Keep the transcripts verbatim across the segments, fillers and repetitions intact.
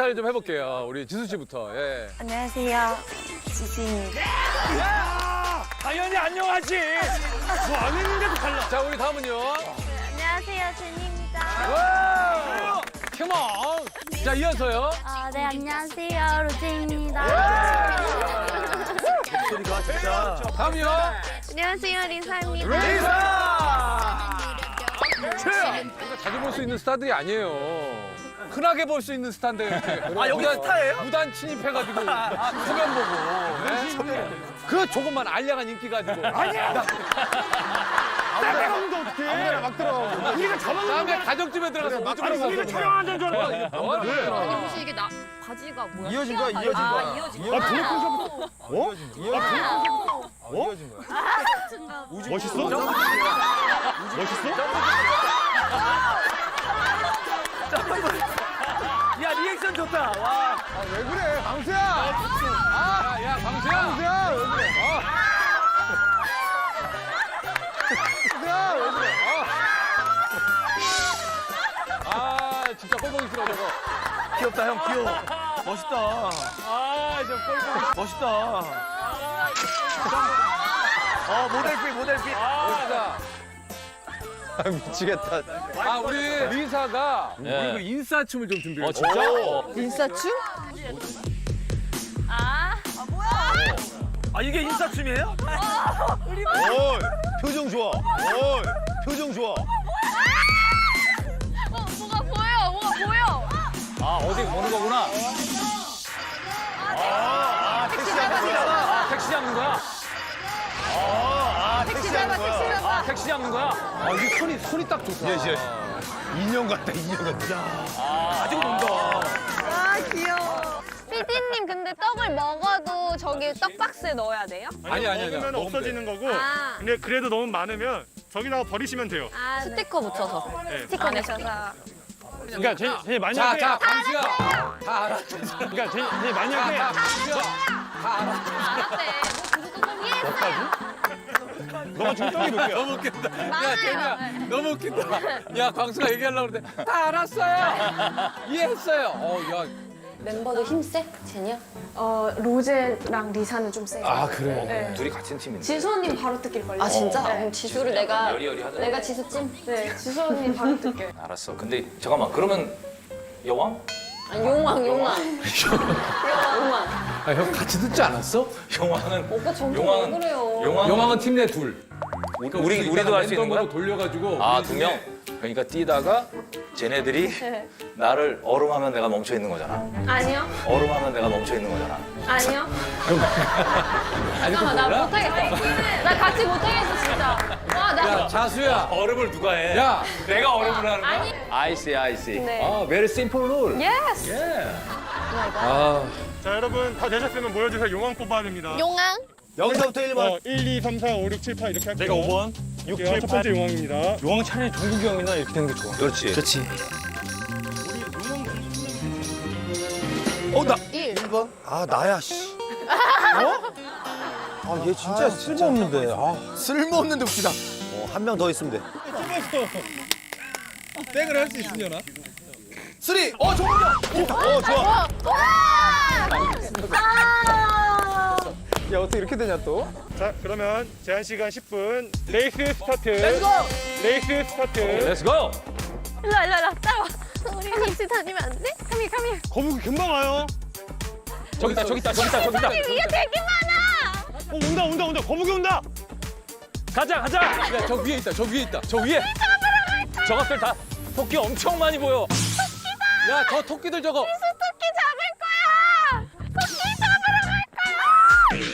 인사를 좀 해볼게요. 우리 지수 씨부터. 예. 안녕하세요. 지수입니다. 야! 당연히 안녕하지. 뭐 안 했는데도 달라. 자, 우리 다음은요. 안녕하세요. 제니입니다. 와! 컴온. 자, 이어서요. 아, 네, 안녕하세요. 로제입니다. 소리가 진짜. 다음이요. 안녕하세요. 리사입니다. 리사! 최야! 우리가 자주 볼 수 있는 스타들이 아니에요. 흔하게 볼 수 있는 스타인데 이렇게. 아, 여기 스타예요? 무단 침입해가지고 소변 보고. 예? 그 조금만 알량한 인기 가지고. 아니야. 나가는데 어떡해. 아무나 막 들어가고. 우리가 잡아놓은 다음에 가정집에 들어가서 거 오줌을 아니, 우리가 싸서. 촬영하는 줄 알아. 뭐 하는 거야? 아니 혹시 이게 나 바지가 뭐야? 이어진 거야, 이어진 아, 거야. 이어진 아, 거야. 블랙홀 어? 이어진 거야. 어? 이어진 거야. 멋있어? 멋있어? 야, 리액션 좋다. 와. 아, 왜 그래, 광수야? 아, 야, 광수야. 광수야, 왜 그래? 어. 광수야, 왜 그래? 어. 아, 진짜 꼴보기 싫어, 저거. 귀엽다, 형, 귀여워. 멋있다. 아, 저 꼴보기. 멋있다. 어, 모델빛, 모델빛. 아, 자. 아, 미치겠다. 아, 우리 리사가 우리 그 인싸춤을 좀 준비해. 어, 진짜? 인싸춤? 아, 아, 이게 인싸춤이에요? 어이, 표정 좋아. 어이, 표정 좋아. 어, 뭐가 보여, 뭐가 보여. 아, 어디 보는 거구나. 아, 택시 잡는 거야. 아, 택시 잡는 거야? 아, 택시 잡아, 택시 잡아. 아, 택시 잡는 거야? 아, 이게 손이, 손이 딱 좋다. 예, 예. 인형 같다, 인형 같다. 가지고 논다. 아, 귀여워. 피디님, 근데 떡을 먹어도 저기 떡박스에 넣어야 돼요? 아니, 아니, 아니. 먹으면 먹으면 없어지는 거고 아. 근데 그래도 너무 많으면 저기다가 버리시면 돼요. 아, 네. 스티커 붙여서. 스티커 내셔서. 그러니까 제, 제 자, 만약에 자, 광수야. 다 알아. 그러니까 제, 제 자, 만약에 자, 광수야. 다 알아. 알았대. 뭐 그거 좀 이해했어요. 너무 중점이 높게요. 너무 웃긴다. 야, 제니야. 너무 웃긴다. 야, 광수가 얘기하려고 그러는데 다 알았어요. 이해했어요. 어, 야. 멤버도 힘세? 제니야? 어, 로제랑 리사는 좀 세요. 아, 그래. 네. 둘이 같은 팀인데. 지수 언님 바로 뜯길걸요? 아, 진짜? 네. 그럼 지수를 내가, 여리여리하더라고. 내가 지수찜? 네, 지수 언님 바로 뜯겨요. 알았어. 근데 잠깐만. 그러면 여왕? 아니, 용왕, 용왕. 용왕. 아, 형 같이 듣지 않았어? 여왕은 오빠 점점 용왕은- 왜 그래요? 용왕 영왕은 팀 내 둘. 그러니까 우리 우리 우리도 할 수 있는 거야? 랜덤으로 돌려가지고. 아, 우리 두 명? 중에 그러니까 뛰다가 쟤네들이 나를 얼음하면 내가 멈춰 있는 거잖아. 아니요, 얼음하면 내가 멈춰 있는 거잖아. 아니요. 잠깐만, 나 못하겠어. 나 같이 못하겠어, 진짜. 와, 나. 야, 자수야. 얼음을 누가 해? 야. 내가 얼음을 하는 거야? 아니. 아이씨, 아이씨. 네. 아, very simple rule. 예스! 아, 자 여러분 다 되셨으면 모여주세요. 용왕 뽑아야 됩니다. 용왕. 여기서부터 일 번. 어, 일, 이, 삼, 사, 오, 육, 칠, 팔 이렇게 할게요. 내가 오 번. 육, 칠, 첫 팔. 번째 용왕입니다. 용왕 차라리 종국이 형이나 이렇게 되는 게 좋아. 그렇지. 그렇지. 어, 나. 일. 일 번? 아, 나야, 씨. 어? 아, 얘 진짜 쓸모없는데. 아, 쓸모없는데 웃기다. 어, 한 명 더 있으면 돼. 땡을 할 수 있으려나? 쓰리! 어, 종국이 형! 어, 좋아. 야, 어떻게 이렇게 되냐, 또? 자 그러면 제한 시간 십 분. 레이스 스타트. 렛츠고! 레이스 스타트. Let's go. 일로 와, 일로 와, 따라와. 우리 같이 다니면 안 돼? 카미, 카미. 거북이 금방 와요. 저기 있다, 저기 있다, 저기 있다, 저기 있다. 위에 되게 많아. 어 온다 온다 온다. 거북이 온다. 가자, 가자. 야, 저 위에 있다, 저 위에 있다, 저 위에. 저것들 다 토끼 엄청 많이 보여. 야, 저 토끼들 저거. 토끼 잡을 거야. 토끼 잡으러 갈 거야.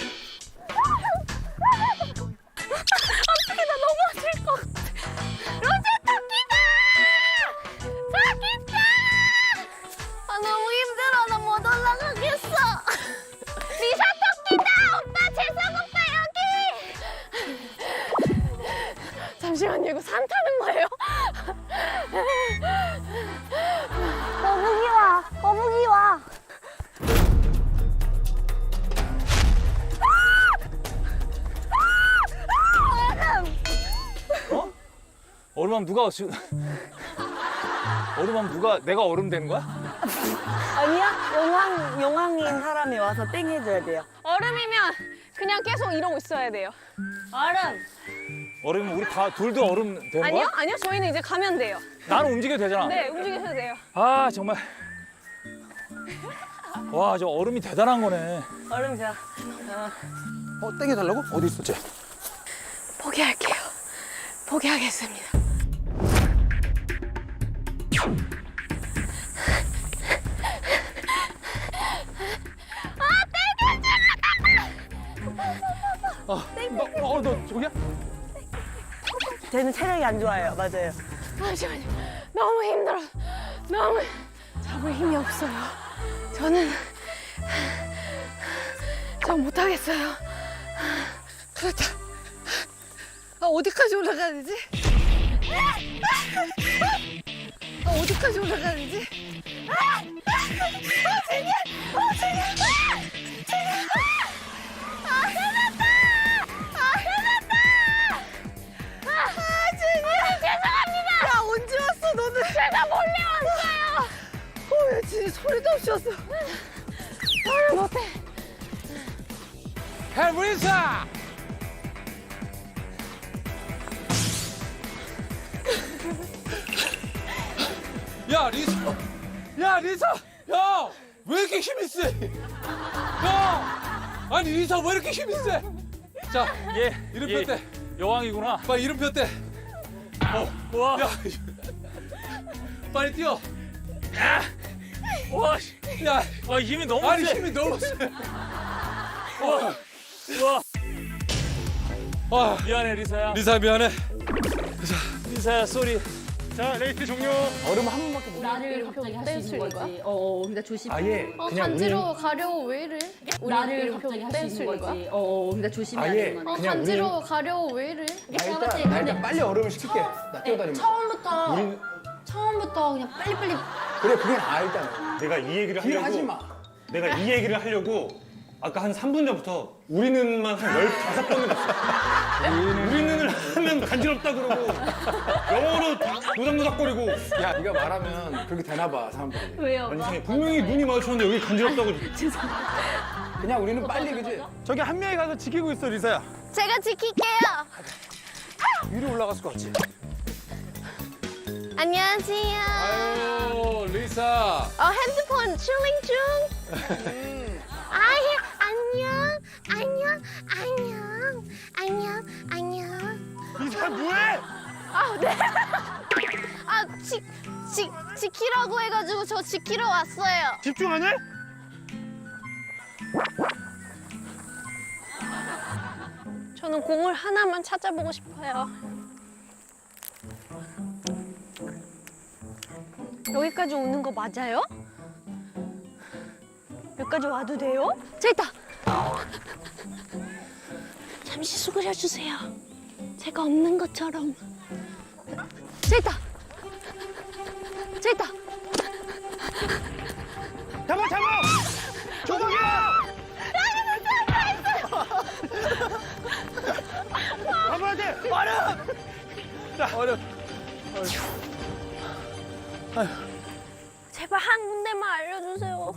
어떻게 나 넘어질 것 같아. 로제 토끼다. 저기 있다. 아, 너무 힘들어. 나 못 올라가겠어. 리사 토끼다. 오빠 재석 오빠 여기. 잠시만요. 이거 산 타는 거예요? 거북이 와. 거북이 와. 얼음하면 누가 지금 얼음하면 누가 내가 얼음 된 거야? 아니야? 용왕, 용왕인 사람이 와서 땡 해줘야 돼요. 얼음이면 그냥 계속 이러고 있어야 돼요. 얼음. 얼음 우리 다 둘도 얼음 되는 아니요? 거야? 아니요? 저희는 이제 가면 돼요. 나는 움직여도 되잖아. 네, 움직이셔도 돼요. 아 정말. 와 저 얼음이 대단한 거네. 얼음 자. 어, 땡겨달라고? 어디 있어, 쟤? 포기할게요. 포기하겠습니다. 어, 너, 어, 너 저기야? 쟤는 체력이 안 좋아요. 맞아요. 잠시만요. 너무 힘들어. 너무 잡을 힘이 없어요. 저는 저 못하겠어요. 그렇다. 아, 어디까지 올라가야 되지? 아, 어디까지 올라가야 되지? 아! 아, 제발! 아, 제발! 아, 제발! 아, 해냈다! 아, 해냈다! 아, 제발! 죄송합니다! 야, 언제 왔어, 너는? 제가 몰래 왔어요! 어, 야, 진짜 소리도 없이 왔어. 아, 못해. 헬브리사! 야 리사, 야 리사, 야 왜 이렇게 힘이 세? 야, 아니 리사 왜 이렇게 힘이 세? 자, 얘 이름표 얘 때, 여왕이구나. 빨리 이름표 때. 어, 와. 야, 빨리 뛰어. 와, 씨. 야, 와 힘이 너무 아니 세. 힘이 너무 세. 와, 와. 와, 미안해 리사야. 리사 미안해. 리사야 쏘리. 자, 레이스 종료. 얼음 한 번밖에 못 나를 갑자기 할 수 있는 거지. 어, 어, 그러니까 조심. 아예 어, 그냥 간지러워 가려워 왜 이래? 나를 갑자기 할 수 있는 거지. 어, 어, 그러니까 조심해야 아예 되는 거지. 어, 그냥 간지러워 가려워 왜 이래? 일단, 나 일단 빨리 얼음을 시킬게. 나 뛰어다니면. 처음부터 우린- 처음부터 그냥 빨리빨리. 그래, 그게 나아, 일단. 내가 이 얘기를 그래, 하려고 하지 마. 내가 이 얘기를 하려고 아까 한 삼 분 전부터 우리는만 한 열다섯 번을 했어. 우리는을 하면 간지럽다 그러고 영어로 노닥노닥거리고 야, 네가 말하면 그렇게 되나 봐, 사람들이. 왜요? 아니 세상에 분명히 눈이 마주쳤는데 여기 간지럽다고 그냥 우리는 빨리, 그지? 저기 한 명이 가서 지키고 있어, 리사야. 제가 지킬게요. 위로 올라갔을 것 같지? 안녕하세요. 아유 리사. 어, 핸드폰 칠링 중. 아유, 안녕, 안녕, 안녕, 안녕, 안녕. 리사 뭐해? 아, 네. 아, 지, 지, 지키라고 해가지고 저 지키러 왔어요. 집중 안 해? 저는 공을 하나만 찾아보고 싶어요. 여기까지 오는 거 맞아요? 여기까지 와도 돼요? 저 있다! 잠시 수그려 주세요. 제가 없는 것처럼. 저 있다! 저 있다! 잡아 잡아! 조국이야! 잡아야 돼! 얼음! 제발 한 군데만 알려주세요.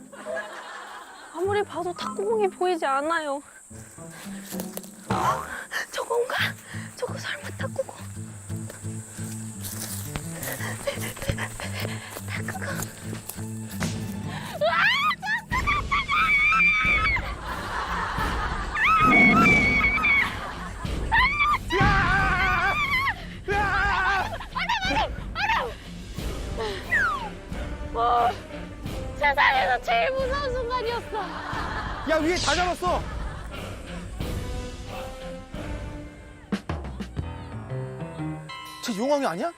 아무리 봐도 탁구공이 보이지 않아요. 어, 저건가? 저거 설마 탁구공? 탁구공. 으아! 와, 세상에서 제일 무서운 순간이었어. 야, 위에 다 잡았어! 쟤 용왕이 아니야?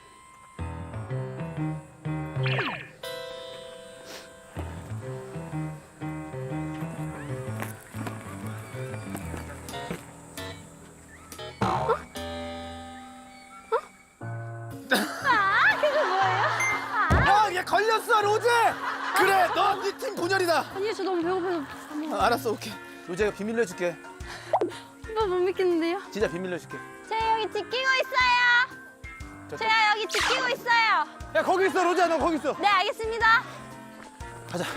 아, 그게 뭐예요? 야, 얘 걸렸어, 로제! 그래, 너 네 팀 분열이다. 아니, 저 너무 배고파서 아, 알았어, 오케이. 로제가 비밀로 해줄게. 오빠 못 믿겠는데요? 진짜 비밀로 해줄게. 제가 여기 지키고 있어요. 저- 제가 여기 지키고 있어요. 야, 거기 있어, 로제야, 너 거기 있어. 네, 알겠습니다. 가자.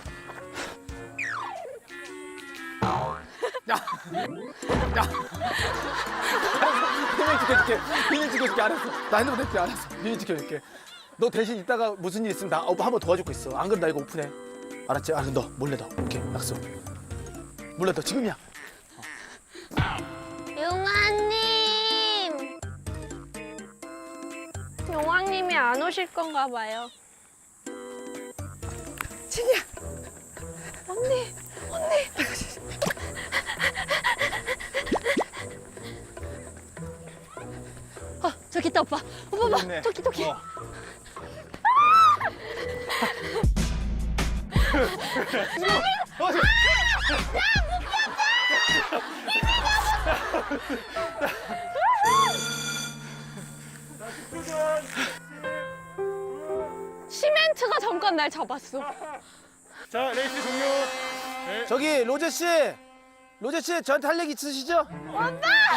비밀 지켜줄게. 비밀 지켜줄게. 알았어. 나 핸드폰 낼게. 알았어. 비밀 지켜줄게. 너 대신 이따가 무슨 일 있으면 나 어, 한번 도와주고 있어. 안 그럼 나 이거 오픈해. 알았지? 아, 너 몰래 넣어. 오케이, 약속. 몰래 넣어. 지금이야. 용아님. 용왕님이 안 오실 건가 봐요. 진이야. 언니, 언니. 어, 저기 있다 오빠. 오빠 봐. 있네. 저기 저기. 어. 시멘트가 잠깐 날 잡았어. 자, 레이스 종료. 저기 로제 씨, 로제 씨 저한테 할 얘기 있으시죠? 오빠!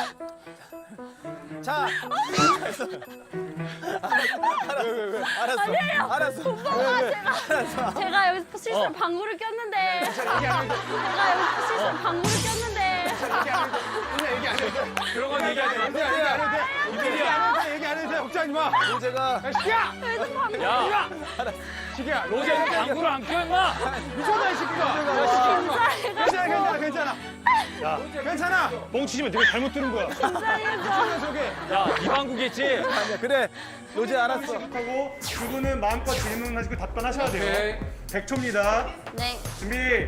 자, 알았어. 왜, 왜, 왜? 알았어. 아니에요. 알았어. 오빠가 왜, 왜? 제가 알았어. 제가 여기서 실수로 방구를 꼈는데. 제가 여기서 실수로 방구를 꼈는데. 얘기 안 해도 돼. 그런 건 얘기 안 해도 돼. 얘기 안 해도 돼. 얘기 안 해도 돼. 얘기 안 해도 돼. 걱정하지 마. 로제가 시기야! 그래서 방구. 야! 시기야, 로제는 방구를 안 껴, 임마! 미쳤나, 이 새끼가! 괜찮아, 괜찮아, 괜찮아. 야, 괜찮아! 뻥치지 마. 네가 잘못 들은 거야. 긴장해서. 저기. 야, 이 방구겠지? 아니야. 그래, 로제 알았어. 하고 두 분은 마음껏 질문하시고 답변하셔야 돼요. 오케이. 백 초입니다. 네. 준비.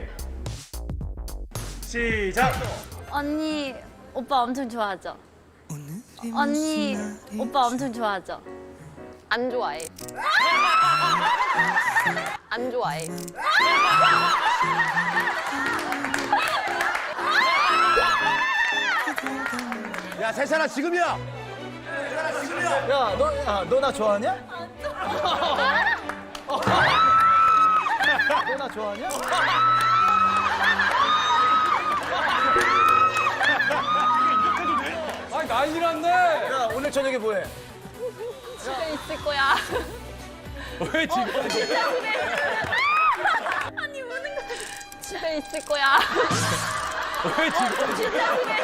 시작. 언니 오빠 엄청 좋아하죠? 언니 오빠 엄청 좋아하죠? 안 좋아해. 안 좋아해. 야, 세찬아 지금이야. 야, 너, 야, 너 나 좋아하냐? 너 나 좋아하냐? 아니, 난리 났네! 야, 오늘 저녁에 뭐해? 집에 있을 거야. 왜 지금? 아니 우는 거. 집에 있을 거야. 왜 지금? 진짜 그래.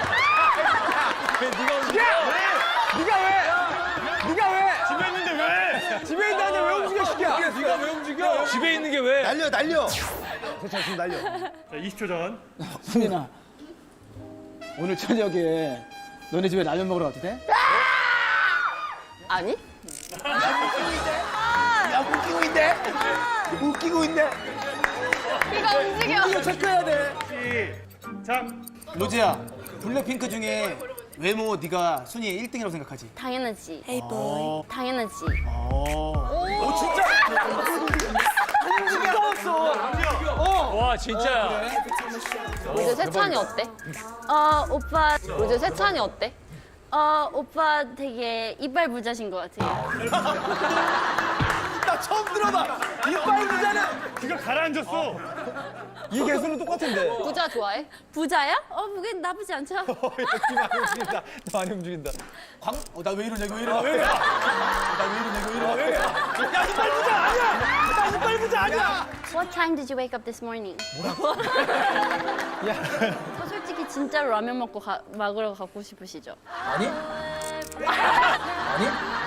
왜 네가 움직여? 네가 왜? 네가 왜? 집에 있는데 왜? 집에 있다는데 왜 움직여, 시기야? 네가 왜 움직여? 집에 있는 게 왜? 날려, 날려. 세찬 지금 날려. 자, 이십 초 전. 수민아, 오늘 저녁에 너네 집에 라면 먹으러 가도 돼? 아니? 야, 웃기고 있네. 웃기고 있네. 네가 움직여. 이거 체크해야 돼. 시작. 로제야, 블랙핑크 중에 외모 네가 순위 일 등이라고 생각하지? 당연하지. 어. 당연하지. 오, 진짜? 움직였어. 와, 진짜야. 로제 세찬이 어때? 어 오빠 로제 세찬이 어때? 어 오빠 되게 이빨 부자신 것 같아요. 나 처음 들어봐. 이빨 부자는 그거 가라앉았어. 이 개수는 똑같은데. 부자 좋아해? 부자야? 어 그게 나쁘지 않죠? 너 많이 움직인다. 광? 어, 나 왜 이러냐, 이거 왜 이러냐. 왜 이러냐. 나 왜 이러냐, 이거 왜 이러냐. 왜 이러냐. 야, 이빨 부자 아니야. 나 이빨 부자 아니야. What time did you wake up this morning? 저 솔직히 진짜로 라면 먹고 가, 먹으러 가고 싶으시죠? 아니? 아니?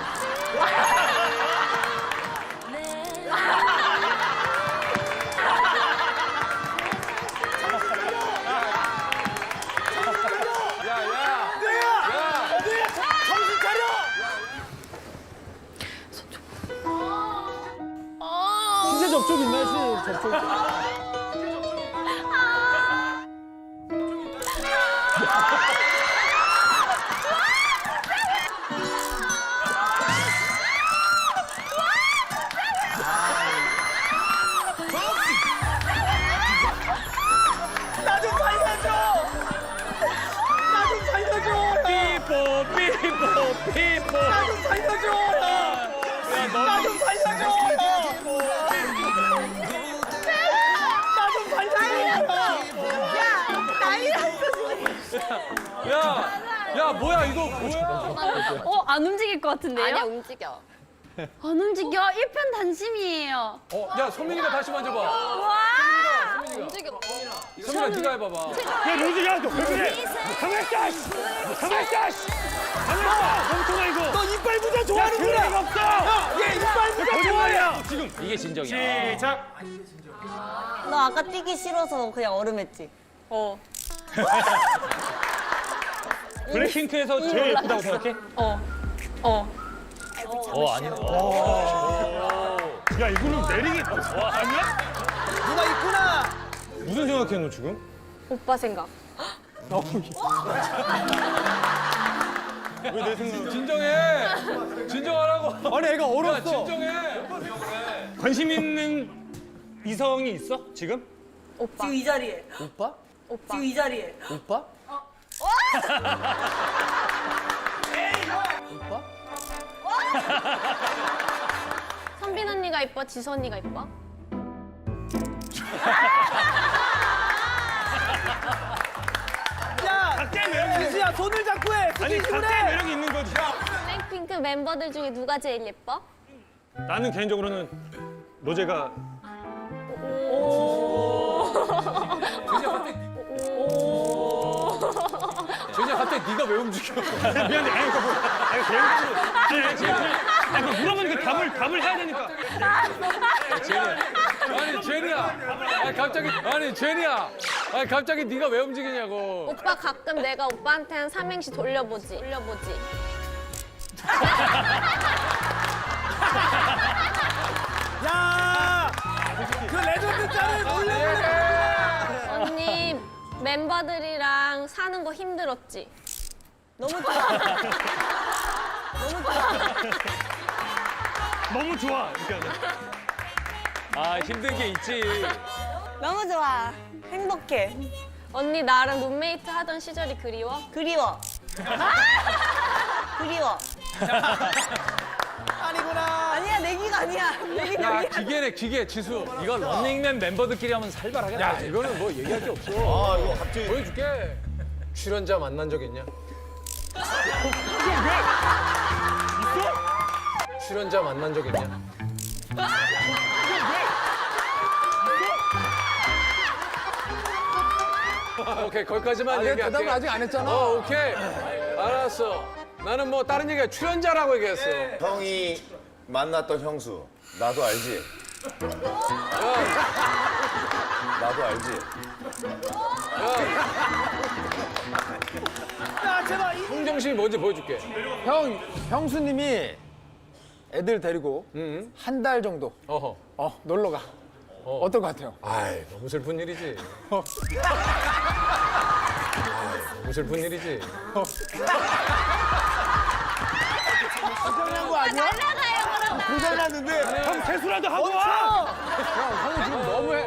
정신 차려! 신체 접촉 있나, 시 접촉. 나 좀 살려줘! 나 좀 살려줘! 삐뽀, 삐뽀, 삐뽀. 나 좀 살려줘! 나 좀 살려줘! 나 좀 살려줘! 야, 야, 뭐야, 이거 뭐야? 어 안 움직일 것 같은데요? 아니야 움직여. 안 움직여. 일편단심이에요. 어, 야 소민이가 다시 만져봐. 와! 소민이가. 소민아 네가 해봐봐. 야 로즈야 너 왜 그래? 가만 있어. 씨. 가만 있어. 씨. 가만 있어. 멍청아 이거. 너 이빨 부자 좋아하는구나. 야, 없어. 얘 이빨 부자 좋아해. 거짓말이야. 지금 이게 진정이야. 시작. 너 아까 뛰기 싫어서 그냥 얼음했지? 어. 블랙핑크에서 제일 예쁘다고 생각해? 어. 어. 어 아니네. 야 이거는 내리기 와 아니야? 누가 있구나. 무슨 생각해 너 지금? 오빠 생각. 왜 내 생각? 진정해. 진정하라고. 아니 애가 야 얼었어. 진정해. 관심 있는 이성이 있어 지금? 오빠. 지금 이 자리에. 오빠? 오빠. 지금 이 자리에. 오빠? 오빠? 선빈 언니가 이뻐? 지수 언니가 이뻐? 야, 각자의 매력이 지수야 손을 잡고 해. 아니 스킨십을 각자의 해. 매력이 있는 거지. 블랙핑크 멤버들 중에 누가 제일 예뻐? 나는 개인적으로는 로제가 제니야 갑자기 네가 왜 움직여? 미안해. 아니 그러니까 뭐 아니 개인적으로 아니 아니 제일 아니 그 물어보니까 답을 답을 해야 되니까. 아니 제니야. 아니 갑자기 아니 제니야. 아니 갑자기 네가 왜 움직이냐고. 오빠 가끔 내가 오빠한테 한 삼행시 돌려보지. 돌려보지. 야, 그 레전드 짤을 몰래 몰래. 언니 멤버들이랑 사는 거 힘들었지? 너무 좋아. 너무 좋아. 너무 좋아. 그러니까 아 힘든 게 있지. 너무 좋아. 행복해. 언니 나랑 룸메이트 하던 시절이 그리워? 그리워. 그리워. 아니구나. 아니야, 내기가 아니야. 내기가 야 아니야. 기계네 기계 지수. 이건 런닝맨 멤버들끼리 하면 살벌하게 야 나지. 이거는 뭐 얘기할 게 없어. 아 이거 갑자기 보여줄게. 출연자 만난 적 있냐? 출연자 만난 적 있냐? 오케이 거기까지만 얘기할게. 대답을 아직 안 했잖아. 어 오케이 알았어. 나는 뭐 다른 얘기가 출연자라고 얘기했어. 형이 만났던 형수 나도 알지? 나도 알지? 야, 제발. 이- 홍정신이 뭔지 보여줄게. 형, 형수님이 애들 데리고 응. 한 달 정도 어허. 어 놀러 가. 어. 어떨 것 같아요? 아이 너무 슬픈 일이지. 아이, 너무 슬픈 일이지. 고장난 거 아니야? 날라가요 그럼. 고장났는데. 형 세수라도 하고 와. 형은 지금 너무해.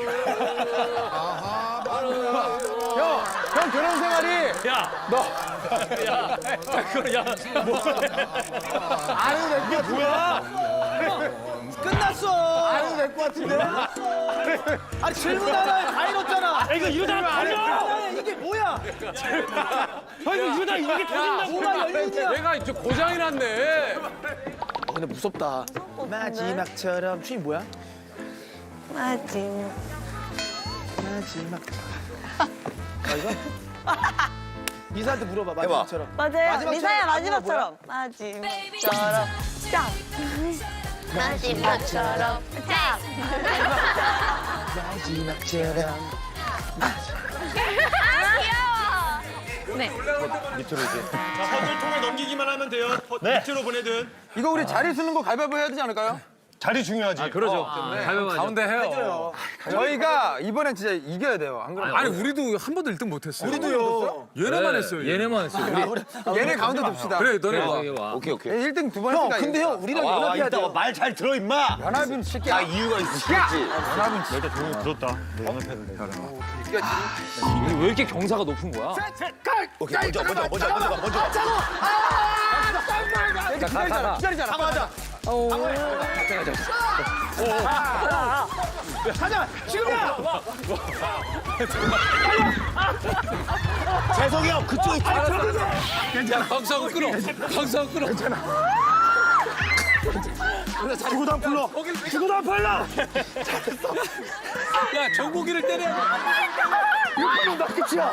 형, 형 결혼 생활이 야, 너 야, 그거 야, 뭐? 안 해도 될것 뭐야? 끝났어. 안 해도 될 것 같은데. 아니 질문 하나에 다 잃었잖아. 아, 이거 이러다가 아니, 터져. 아니, 이게 뭐야? 형 이거 이러다가 이게 터진다고. 뭐가 열리냐? 내가 이제 고장이 났네. 어, 근데 무섭다. 마지막처럼 춤이 뭐야? 마지막. 마지막. 아 이거? 미사한테 물어봐. 해봐. 마지막처럼. 맞아요. 마지막처럼 미사야, 안무가 마지막처럼. 마지막처럼. 짱. 마지막처럼 짝! 마지막처럼. 아 귀여워! 네. 밑으로 이제. 자 허들통에 넘기기만 하면 돼요. 허- 밑으로 보내든. 이거 우리 자리 쓰는 거 가위바위보 해야 되지 않을까요? 자리 중요하지. 그러죠. 가운데 해요. 저희가 이번엔 진짜 이겨야 돼요. 안 그러면 아니 우리도 한 번도 일 등 못했어요. 우리도요. 얘네만 했어요. 얘네만 했어요. 우리. 얘네 가운데 둡시다. 그래 너네 와. 와. 오케이 오케이. 일 등 두 번 했으니까. 형, 근데 형 우리랑 연합해야 돼요. 말 잘 들어 임마. 연합은 새끼야. 아 이유가 있으시겠지. 연합은 진짜. 들었다. 우리 왜 이렇게 경사가 높은 거야? 오케이 먼저 먼저 먼저 먼저 먼저. 기다리잖아. 기다리잖아. 가자. 가자. 지금이야. 재석이 형 그쪽에 야 강사하고 끌어. 강사하고 끌어. 죽어도 안 풀러. 죽어도 안 풀러. 야 정국이를 때려. 이거는 나 끝이야.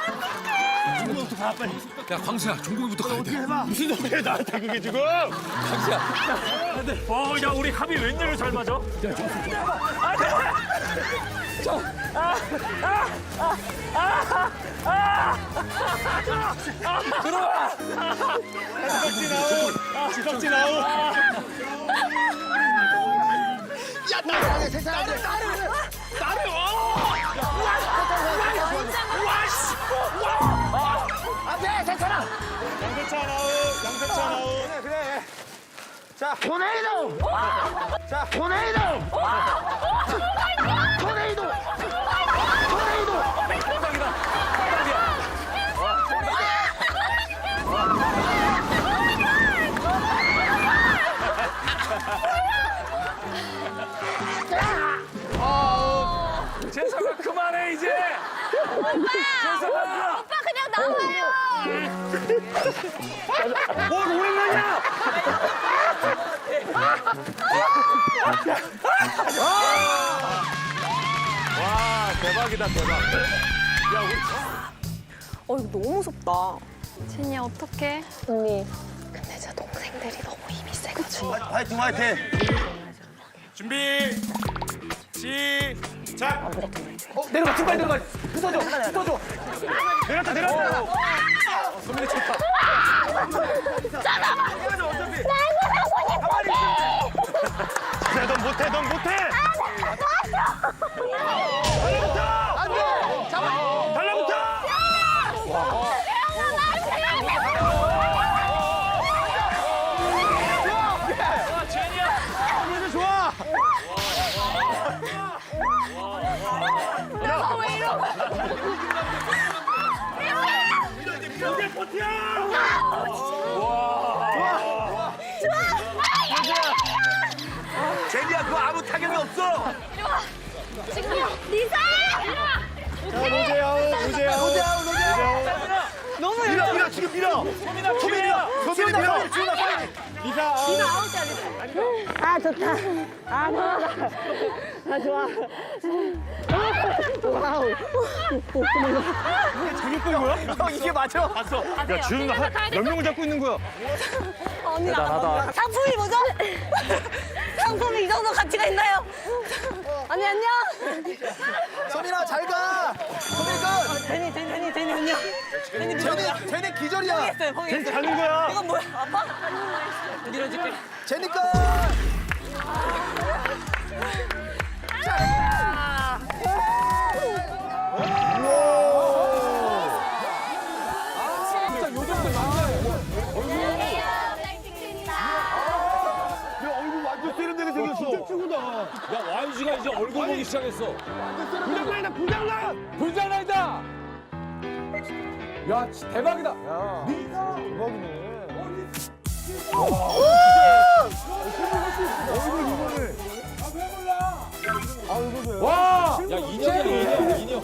야 광수야 정국이부터 가야 돼. 무슨 소리야 나한테 그게 지금? 광수야. 어, 야 우리 합이 웬일로 잘 맞아? 들어와. 지석진 아웃. 지석진 아웃. 양세찬 아웃. 양세찬 아웃. 그래 그래. 자 토네이도. 자 토네이도. 토네이도. 토네이도. 재석아 그만해 이제. 재석아. 오빠 그냥 나와요. 뭘 오랜만이야? 와 대박이다 대박. 어 이거 너무 무섭다. 제니 어떡해? 언니. 근데 제 동생들이 너무 힘이 세가지고. 화이팅 화이팅. 준비. 시작. 어 내려가 중간에 내려가. 붙어줘. 붙어줘. 내렸다 내렸다. 소민이 좋다. 야, 넌 못해, 넌 못해. 달라붙어. 안돼. 잡아. 달라붙어. 이제 좋아. 이게 버티야. 제니야 그거 아무 타격이 없어. 리사! 자, 로제 아웃, 로제 아웃. 로제 아웃, 로제 아웃. 너무 밀어 밀어 지금 밀어. 소민아, 소민이 밀어. 소민이 밀어. 지훈아 빨리. 리사 아웃. 아 좋다. 아 좋아. 아 좋아. 와우. 재밌던 거야? 형 이게 맞아? 봤어. 야, 지금 몇 명을 잡고 있는 거야? 언니 대단하다. 상품이 뭐죠? 상품이 이 정도 가치가 있나요? 언니 안녕. 소민아 잘 가. 소민아. 제니 제니 제니 제니 안녕. 제니 제니 제니 기절이야. 쟤 자는 거야. 이건 뭐야? 아빠? 밀어줄게. 제니 거. 진짜 요 정도 완전 세련되게 생겼어. 진짜 최고다. 야 와이지가 이제 얼굴 보기 시작했어. 불장난이다, 불장난. 불장난이다. 야 진- 대박이다. 와! 야 인형이야 인형 인형.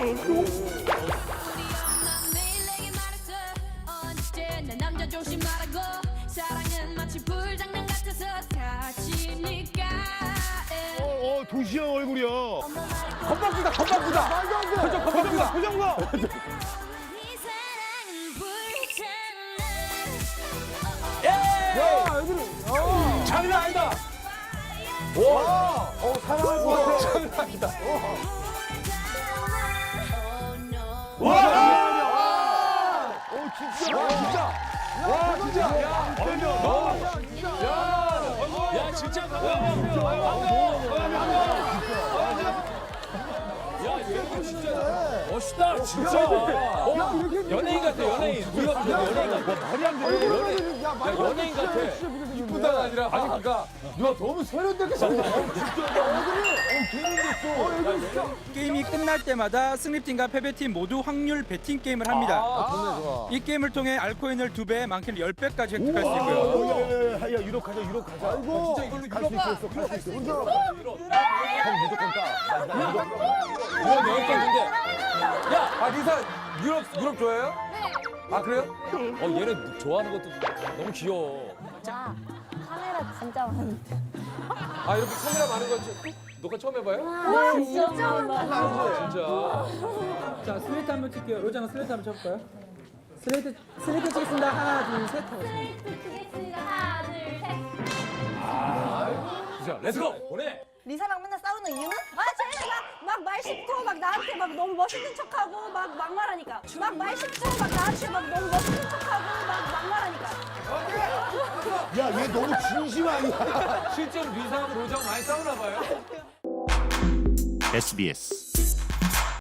내 남자 조심하라고 사랑은 마치 불장난 같아서 다치니까 어, 도시형 얼굴이야. 건방지다 건방지다. 표정 건방지다. 표정 봐. 이 사랑은 불장난 야 애들이 장난 아니다. 와. 어 사랑할 것 같아. 장난 아니다. 와. 어, 진짜. 와 진짜. 와 진짜. 야 너. 야. 야 진짜. 야 얘가 진짜 멋있다 진짜. 어, 연예인 같아 연예인. 우리가 보는 연예인 같아. 말이 안 돼. 연예인. 야 연예인 같아. 이쁘다가 아니라 아니 그러니까 야 너무 세련되게 잘해. 게임이 끝날 때마다 승리팀과 패배팀 모두 확률 배팅 게임을 합니다. 아, 좋네 좋아. 이 게임을 통해 알코인을 두 배, 많게는 열 배까지 획득할 수 있고요. 야, 야, 야, 유럽 가자, 유럽 가자. 아이고. 진짜 이걸로 갈수 있어, 갈수 있어. 혼자. 형 무조건 따. 나 유럽 유럽 여행 갔는데. 야, 아 리사 유럽 유럽 좋아해요? 네. 아 그래요? 어 얘네 좋아하는 것도 너무 귀여워. 자 카메라 진짜 많은데. 아 이렇게 카메라 많은 거 처- 녹화 처음 해봐요? 와 진짜 많아. 아, 진짜. 자, 슬레이트 한번 칠게요. 로장아 슬레이트 한번 쳐볼까요? 슬레이트, 슬레이트 치겠습니다. 하나, 둘, 셋. 하겠습니다. 치겠습니다. 하나, 둘, 셋. 자, 렛츠고 보내. 리사랑 맨날 싸우는 이유는? 아, 쟤네 막 말 씹고 막 나한테 막 너무 멋있는 척하고 막 막말하니까. 막 말 씹고 막 나한테 막 너무 멋있는 척하고 막 막말하니까. 야, 얘 너무 진심 아니야? 실제로 리사하고 로장 많이 싸우나 봐요. 에스비에스